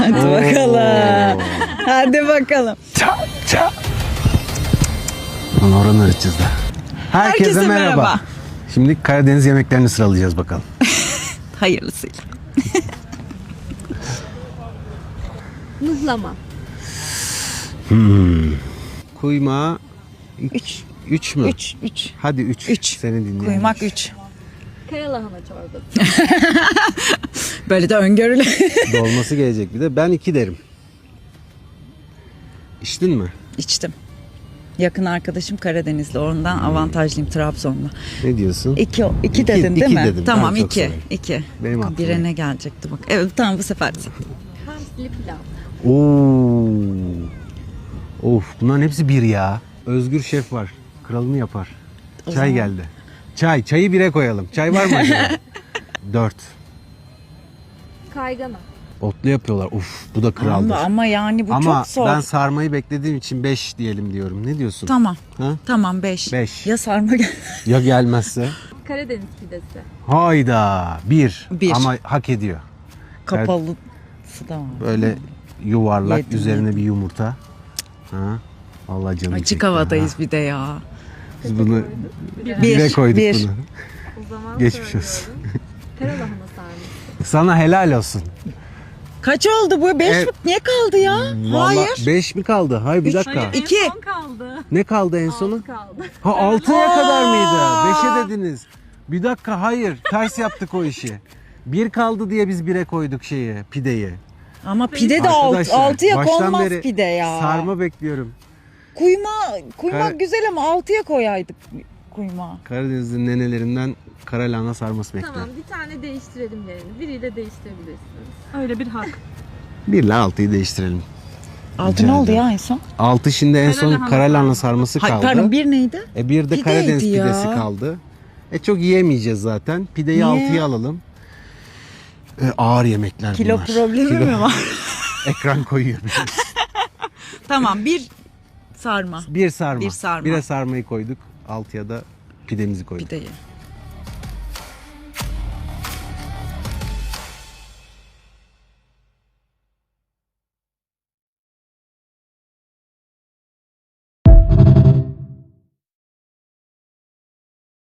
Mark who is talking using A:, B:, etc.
A: Hadi bakalım. Hadi bakalım.
B: Onu oranı öğreteceğiz de. Herkese merhaba. Şimdi Karadeniz yemeklerini sıralayacağız bakalım.
A: Hayırlısıyla.
C: Mıhlama.
B: Kuymağı 3 mü?
A: 3.
B: Hadi 3.
A: 3.
B: Seni dinleyelim.
A: Kuymak 3.
C: Karalahana çorbası.
A: Böyle de öngörülü.
B: Dolması gelecek bir de. Ben 2 derim. İçtin mi?
A: İçtim. Yakın arkadaşım Karadenizli. Ondan avantajlıyım Trabzon'da.
B: Ne diyorsun?
A: 2
B: İki-
A: dedin değil
B: iki
A: mi?
B: dedim.
A: Tamam
B: Ben çok
A: 2.
B: severim.
A: 2.
B: Benim aklıma.
A: Bire ne gelecekti bak. Evet tamam bu sefer.
C: Hamsili pilav.
B: Oo. Of, bunların hepsi bir ya. Özgür şef var. Kralını yapar. Çay
A: zaman-
B: geldi. Çayı 1'e koyalım. Çay var mı acaba? 4.
C: Kaygana.
B: Otlu yapıyorlar. Uf, bu da kraldır.
A: Ama yani bu
B: Ama
A: çok zor.
B: ben sarmayı beklediğim için 5 diyelim diyorum. Ne diyorsun?
A: Tamam.
B: Ha?
A: Tamam 5.
B: Beş.
A: Ya sarma gel.
B: Ya gelmezse?
C: Karadeniz pidesi.
B: Hayda. 1.
A: Bir.
B: Ama hak ediyor.
A: Kapalısı da var.
B: Böyle yuvarlak,
A: Yedim,
B: üzerine bir yumurta. Ha? Allah canım
A: Açık
B: çekti
A: havadayız
B: ha.
A: bir de ya.
B: Biz bunu
A: Bir,
B: 1'e koyduk
A: bir.
B: bunu.
C: O zaman
B: Geçmiş olsun.
C: söylüyorum. Karalahana sarması.
B: Sana helal olsun.
A: Kaç oldu bu? 5
B: Evet.
A: mi? Ne kaldı ya? Hayır.
B: 5 mi kaldı? Hayır bir dakika.
C: En
A: 2.
C: son kaldı.
B: Ne kaldı en sonu?
C: 6 kaldı.
B: Ha 6'ya kadar mıydı? 5'e dediniz. Bir dakika hayır. Ters yaptık o işi. 1 kaldı diye biz 1'e koyduk pideyi.
A: Ama pide de
B: Arkadaşlar,
A: 6'ya
B: baştan
A: konmaz
B: beri
A: pide ya.
B: Sarma bekliyorum.
A: Kuymak güzel ama 6'ya koyaydık kuymağı.
B: Karadeniz'in nenelerinden kara lahana sarması bekliyorum.
C: Tamam bir tane değiştirelim yerini. Biriyle değiştirebilirsiniz. Öyle bir hak.
B: 1 ile 6'yı değiştirelim.
A: 6 ne oldu ya en son?
B: 6 şimdi en son
C: Karalahana
B: kara lahana sarması
A: Hayır,
B: kaldı.
A: pardon 1 neydi?
B: Bir de
A: Pideydi
B: Karadeniz
A: ya.
B: pidesi kaldı. Çok yiyemeyeceğiz zaten. Pideyi
A: Niye?
B: 6'ya alalım. Ağır yemekler
A: Kilo
B: bunlar.
A: problemi mi var?
B: Ekran koyuyor.
A: Tamam 1 sarma.
B: Bir sarma.
A: Bir sarma.
B: 1'e sarmayı koyduk. 6'ya da pidemizi koyduk.
A: Pideyi.